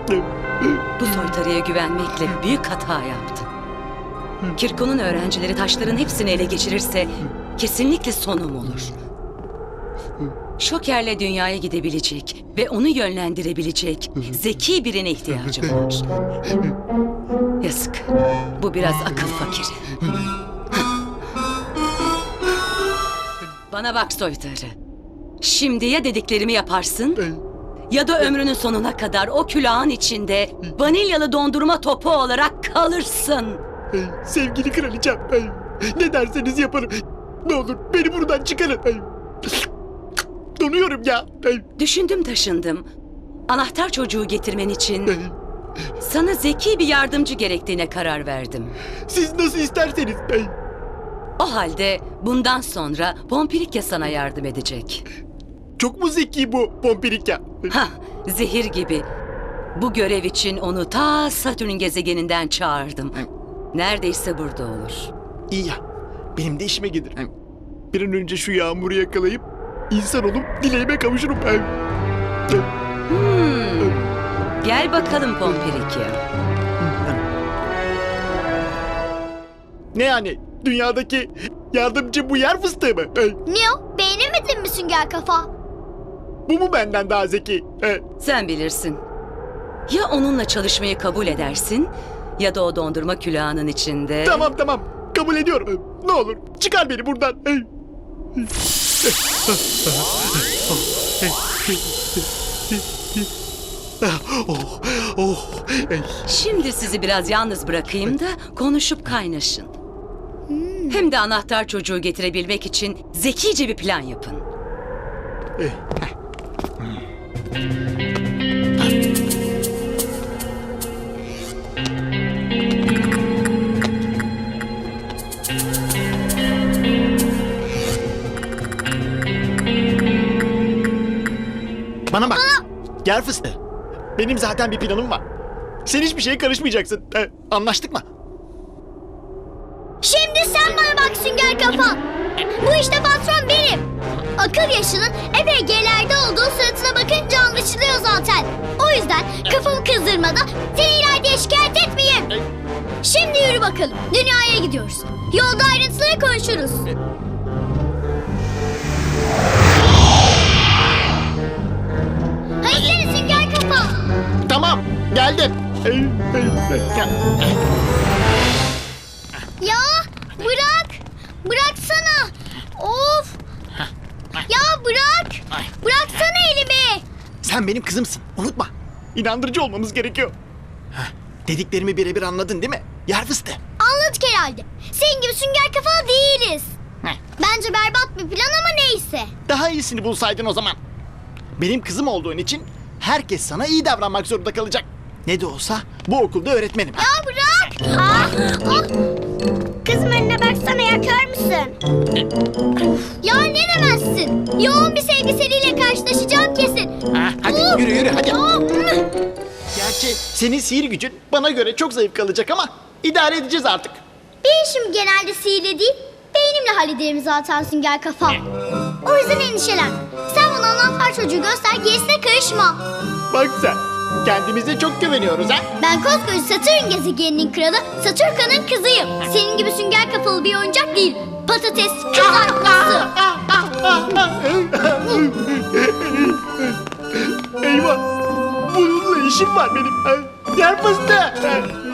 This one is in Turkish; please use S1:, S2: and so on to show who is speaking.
S1: Bu soytarıya güvenmekle büyük hata yaptın. Kirko'nun öğrencileri taşların hepsini ele geçirirse kesinlikle sonum olur. Şoker'le dünyaya gidebilecek ve onu yönlendirebilecek zeki birine ihtiyacım var. Yazık. Bu biraz akıl fakiri. Bana bak soytarı. Şimdi ya dediklerimi yaparsın ya da ömrünün sonuna kadar o külahın içinde vanilyalı dondurma topu olarak kalırsın.
S2: Sevgili kraliçem, ne derseniz yaparım. Ne olur beni buradan çıkarın. Donuyorum ya.
S1: Düşündüm taşındım. Anahtar çocuğu getirmen için sana zeki bir yardımcı gerektiğine karar verdim.
S2: Siz nasıl isterseniz.
S1: O halde bundan sonra Pompirikya sana yardım edecek.
S2: Çok mu zeki bu Pompirikya?
S1: Hah, zehir gibi. Bu görev için onu ta Satürn gezegeninden çağırdım. Neredeyse burada olur.
S2: İyi ya. Benim de işime gelir. Bir an önce şu yağmuru yakalayıp insan olup dileğime kavuşurum.
S1: Gel bakalım Pompirikya.
S2: Ne yani? Dünyadaki yardımcı bu yer fıstığı mı?
S3: Ne o? Beğenemedin mi Sünger Kafa?
S2: Bu mu benden daha zeki?
S1: Sen bilirsin. Ya onunla çalışmayı kabul edersin ya da o dondurma külahının içinde...
S2: Tamam. Kabul ediyorum. Ne olur çıkar beni buradan.
S1: Şimdi sizi biraz yalnız bırakayım da konuşup kaynaşın. Hem de anahtar çocuğu getirebilmek için zekice bir plan yapın.
S2: Bana bak. Gel fıstığı. Benim zaten bir planım var. Sen hiçbir şeye karışmayacaksın. Anlaştık mı?
S3: Şimdi sen bana bak Sünger Kafa. Bu işte patron benim. Akıl yaşının EPG'lerde olduğu suratına bakınca anlaşılıyor zaten. O yüzden kafamı kızdırmadan seni ileride şikayet etmeyeyim. Şimdi yürü bakalım. Dünyaya gidiyoruz. Yolda ayrıntıları konuşuruz. Hadi seni Sünger Kafa.
S2: Tamam. Geldim.
S3: Ya bırak. Bıraksana. Of. Ya bırak. Bıraksana elimi.
S2: Sen benim kızımsın. Unutma. İnandırıcı olmamız gerekiyor. Dediklerimi birebir anladın değil mi? Yer fıstığı.
S3: Anladık herhalde. Senin gibi sünger kafalı değiliz. Bence berbat bir plan ama neyse.
S2: Daha iyisini bulsaydın o zaman. Benim kızım olduğun için herkes sana iyi davranmak zorunda kalacak. Ne de olsa bu okulda öğretmenim.
S3: Ya bırak. Kızım önüne baksana ya, kör müsün? Ya ne demezsin? Yoğun bir sevgiseliyle karşılaşacağım kesin.
S2: Hadi yürü hadi.
S3: Ya.
S2: Gerçi senin sihir gücün bana göre çok zayıf kalacak ama idare edeceğiz artık.
S3: Benim işim genelde sihirle değil, beynimle hallederim zaten sünger kafa. O yüzden endişelen. Sen bana anahtar çocuğu göster, gerisine karışma.
S2: Bak sen, kendimize çok güveniyoruz ha.
S3: Ben koskoca Satürn gezegeninin kralı, Satürka'nın kızıyım. Senin gibi sünger kafalı bir oyuncak değil. Patates kızartması.
S2: Eyvah, bununla işim var benim. Yer fıstığı.